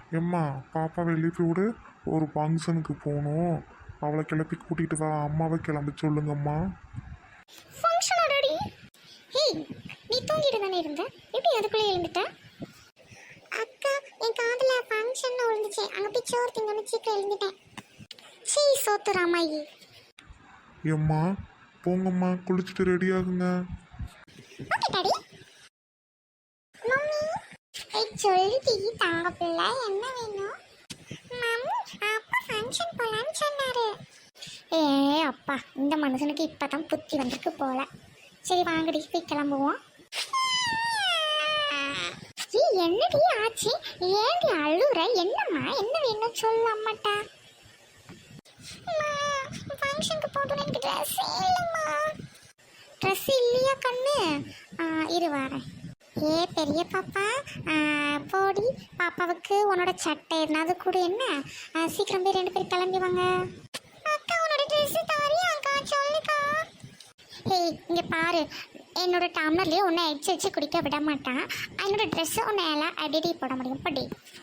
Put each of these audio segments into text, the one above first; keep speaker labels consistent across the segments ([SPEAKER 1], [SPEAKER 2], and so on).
[SPEAKER 1] எம்மா பாப்பாவை எழுப்பி விடு, ஒரு ஃபங்க்ஷனுக்கு போகணும். அவளை கிளப்பி கூட்டிகிட்டு வா. அம்மாவை கிளம்பி சொல்லுங்கம்மா.
[SPEAKER 2] ஃபங்க்ஷனா டாடி? ஹேய், நீ தூங்கிட்டு தானே இருந்த, எப்படி அதுக்குள்ளே எழுந்துட்ட? அக்கா, என் காதுல ஃபங்க்ஷன் விழுந்துச்சு, அங்கே போய் சோறு திங்கன்னு சீக்கிரம் எழுந்துட்டேன். சீ சோத்து ராமாயி.
[SPEAKER 1] எம்மா போங்கம்மா, குளிச்சுட்டு ரெடி ஆகுங்க.
[SPEAKER 2] Okay daddy. மம்மி, சொல்லுடி தங்க பிள்ளை, என்ன வேணும்? மம்மி, அப்பா ஃபங்க்ஷன் போலான்னு சொன்னாரு. ஏ அப்பா, இந்த மனுஷனுக்கு இப்பதான் புத்தி வந்திருக்கு போல. சரி வாங்கடி, போய் கிளம்புவோம். என்னடி ஆச்சு? ஏன்டி அழுற? என்னம்மா, என்ன வேணும் சொல்லு அம்மாட்டா. ஃபங்க்ஷனுக்கு போகணும், எனக்கு ட்ரெஸ் இல்லைம்மா. ட்ரெஸ் இல்லையா கண்ணு? இரு வரேன். ஏ பெரிய பாப்பா, போடி, பாப்பாவுக்கு உன்னோட சட்டை எதுனாவது கூட. என்ன சீக்கிரம் போய் 2 பேர் கிளம்பி வாங்க. அக்கா, உன்னோட ட்ரெஸ் தாரியாக்கா, சொல்லுக்கா. ஏய் இங்கே பாரு, என்னோட டம்ளர்லேயே உன்னை வச்சு குடிக்க விட மாட்டான். என்னோட ட்ரெஸ்ஸை உன்னை எல்லாம் அடிடி போட முடியும். படி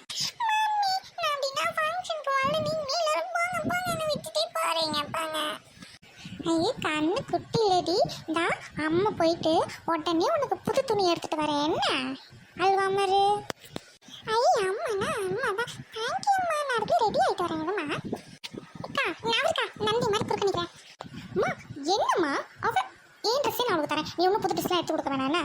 [SPEAKER 2] ஐயே கண்ணு குட்டி இல்லடி. இந்த அம்மா போயிட்டு உடனே உனக்கு புது துணி எடுத்துட்டு வரேன். என்ன அல்வா மாதிரி? ஐயே அம்மாண்ணா, அம்மாதான். தேங்க்யூம்மா, நான் அதுக்கு ரெடி ஆகிட்டு வரேங்கம்மா. அக்கா நான் நந்தி மாதிரி குறுக்க நிற்கிறேன். அம்மா என்னம்மா, அவ ஏன் ட்ரெஸ்ஸே நான் அவளுக்கு தரேன், நீ ஒன்றும் புது ட்ரெஸ்லாம் எடுத்து கொடுக்க வேணாண்ணா.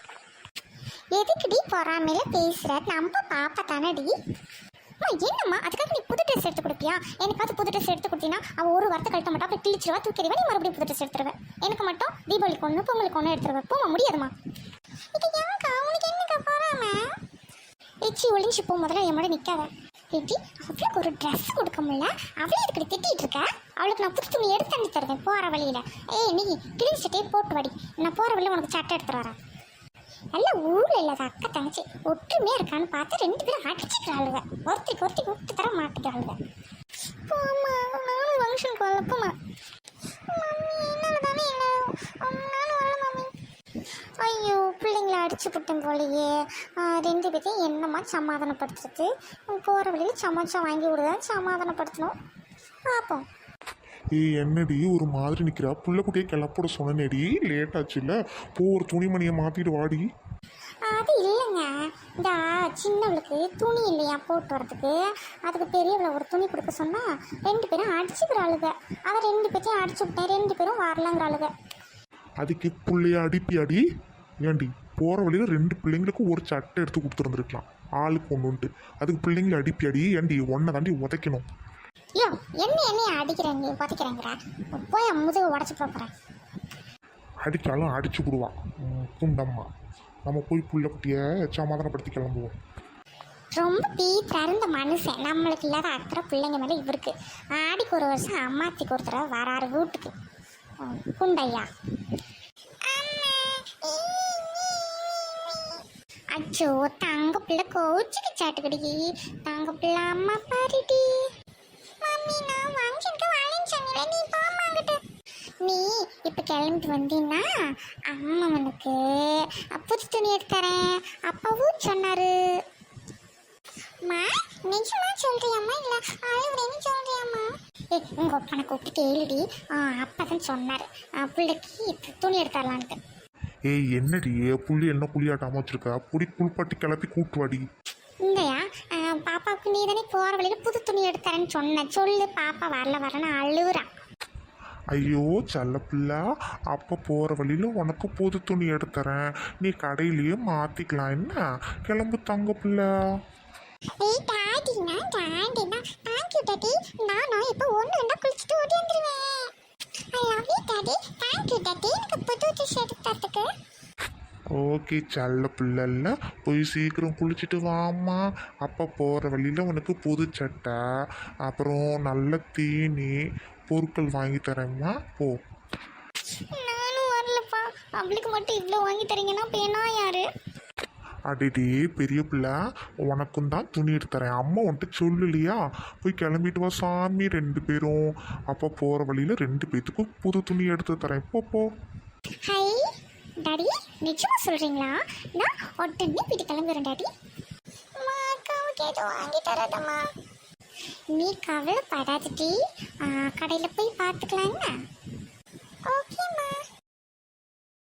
[SPEAKER 2] எதுக்குடி பொறாமையில பேசுற? நம்ம பாப்பா தானடி. அம்மா என்னம்மா, அதுக்காக நீ புது ட்ரெஸ் எடுத்து கொடுப்பியா? எனக்காவது புது ட்ரெஸ் எடுத்து கொடுத்தீங்கன்னா அவள் ஒரு வாரத்தை கழிக்க மாட்டா, அப்படி கிழிச்சிருவா, தூக்கிடுவா. நீ மறுபடியும் புது ட்ரெஸ் எடுத்துருவேன். எனக்கு மட்டும் தீபாவளிக்கு ஒன்று, பொங்கலுக்கு ஒன்று எடுத்துருவேன். போமா முடியாதுமா. இது ஏன்க்கா, உனக்கு என்னக்கா போறாம? ஏச்சி ஒளிஞ்சு போ, முதல்ல என் முன்னாடி நிற்காத. ஏட்டி, அவளுக்கு ஒரு ட்ரெஸ் கொடுக்க முடியல, அவளே இதுக்கு திட்டிகிட்டு இருக்க. அவளுக்கு நான் புது துணி எடுத்து தண்ணி தருவேன் போகிற வழியில். ஏய் நீ கிழிஞ்ச சட்டையை போட்டு வாடி, நான் போகிற வழியில் உனக்கு சட்டை எடுத்துகிட்டு வரேன். எல்லாம் ஊரில் இல்லாத அக்கா தங்கச்சி ஒற்றுமையாக இருக்கான்னு பார்த்து 2 பேரும் அடிச்சுக்கிறாளுங்க. ஒருத்தருக்கு விட்டு தர மாட்டேங்கிறாளுங்க. போம்மா, நானும் ஃபங்க்ஷனுக்கு வரலப்போம்மா. மம்மி என்னால் தானே நானும் வரல மம்மி. ஐயோ பிள்ளைங்கள அடிச்சு விட்டேன் போலையே. 2 பேர்த்தையும் என்னம்மா சமாதானப்படுத்துறது? போகிற வழியில் சமைச்சா வாங்கி விடுதான் சமாதானப்படுத்தணும். பார்ப்போம்.
[SPEAKER 1] ஏய் என்னடி ஒரு மாதிரி நிற்கிறா? புள்ள குட்டியை கிளப்போட சொன்னேடி, லேட் ஆச்சுல்ல. போ, ஒரு துணிமணியை மாற்றிட்டு வாடி.
[SPEAKER 2] அது இல்லைங்க, இந்த சின்னவளுக்கு துணி இல்லையா போட்டு வரதுக்கு, அதுக்கு பெரியவளை ஒரு துணி கொடுக்க சொன்னால் 2 பேரும் அடிச்சுக்கிறாளுங்க. அதை 2 பேர்த்தையும் அடிச்சு விட்டேன், 2 பேரும் வரலங்கிறாளுங்க.
[SPEAKER 1] அதுக்கு பிள்ளைய அடிப்பியாடி? ஏண்டி போகிற வழியில் 2 பிள்ளைங்களுக்கு ஒரு சட்டை எடுத்து கொடுத்துருந்துருக்கலாம், ஆளுக்கு ஒன்றுன்ட்டு. அதுக்கு பிள்ளைங்களை அடிப்பியாடி? ஏண்டி ஒன்றை தாண்டி உதைக்கணும்.
[SPEAKER 2] ஐயோ என்னைய அடிக்கிறேன், நீ உதைக்கிறேங்கிற? போய் முதுகு உடச்சி போகிறேன்.
[SPEAKER 1] அடித்தாலும் அடிச்சு விடுவான் குண்டம்மா. நம்ம போய் புள்ள குட்டியை சமாதானப்படுத்தி கிளம்புவோம்.
[SPEAKER 2] ரொம்ப தருந்த மனுஷன், நம்மளுக்கு இல்லாத அக்கறை பிள்ளைங்க மேலே இவருக்கு. ஆடிக்கு ஒரு வருஷம் அம்மாத்திக்கு ஒரு தடவை வராரு வீட்டுக்கு குண்டையா. அச்சோ தங்க பிள்ளை கோச்சுக்கு சாட்டுக்கடி. தங்க பிள்ளை அம்மா பாருடி. மம்மி நான் ஃபங்க்ஷனுக்கு வரேன்னு சொன்னீங்க, நீ போமாங்கிட்டு. நீ இப்போ கிளம்பிட்டு வந்தீங்கன்னா அம்மா உனக்கு புது துணி எடுத்து தரேன் அப்பாவும் சொன்னாரு. அம்மா நிஜமா சொல்றியாம்மா இல்லை அழுகுறேன்னு சொல்றியாம்மா? உங்கள் அப்பனை கூப்பிட்டு எழுதி. அப்பா தான் சொன்னார் பிள்ளைக்கு துணி எடுத்துடலான்ட்டு.
[SPEAKER 1] ஏய் என்னடி புள்ளி என்ன புள்ளியாட்டாம வச்சிருக்கா? புடி புல்பாட்டி கிளப்பி கூட்டுவாடி.
[SPEAKER 2] இல்லையா, பாப்பாவுக்கு நீ தானே போகிற வழியில் புது துணி எடுத்துறேன்னு சொன்னேன். சொல்லு, பாப்பா வரலன்னு அழுகுறான்.
[SPEAKER 1] ஐயோ செல்ல பிள்ளை, அப்போ போகிற வழியில் உனக்கு புது துணி எடுத்துறேன், நீ கடையிலேயே மாற்றிக்கலாம். என்ன கிளம்பு தங்க பிள்ளை.
[SPEAKER 2] ஏய் டாடினா தேங்க்யூ டாடி. நானும் இப்போ 1-2 குளிச்சுட்டு ஓடி வந்துடுவேன். I love you daddy. Thank you daddy, எனக்கு புது ட்ரெஸ் எடுத்து தரத்துக்கு.
[SPEAKER 1] ஓகே செல்ல பிள்ளைல, போய் சீக்கிரம் குளிச்சுட்டு வாம்மா. அப்போ போகிற வழியில் உனக்கு புது சட்டை, அப்புறம் நல்ல தீனி பொருட்கள் வாங்கி தரேம்மா. போ.
[SPEAKER 2] நானும் வரலப்பா, அவளுக்கு மட்டும் இவ்வளோ வாங்கி தரீங்கன்னா பேனா யாரு?
[SPEAKER 1] அடிடி பெரிய பிள்ளை, உனக்கும் தான் துணி எடுத்து தரேன். அம்மா வந்துட்டு சொல்லலையா? போய் கிளம்பிட்டு வா சாமி 2 பேரும். அப்போ போகிற வழியில் 2 பேத்துக்கும் புது துணி எடுத்து தரேன். போ.
[SPEAKER 2] ஹை டாடி, நிச்சயமா சொல்கிறீங்களா? நான் உடனே வீட்டு கிளம்புறேன் டாடி. அக்காவுக்கு எதுவும் வாங்கி தராதம்மா. நீ கவலைப்படாதடி, கடையில் போய் பார்த்துக்கலாம் என்ன.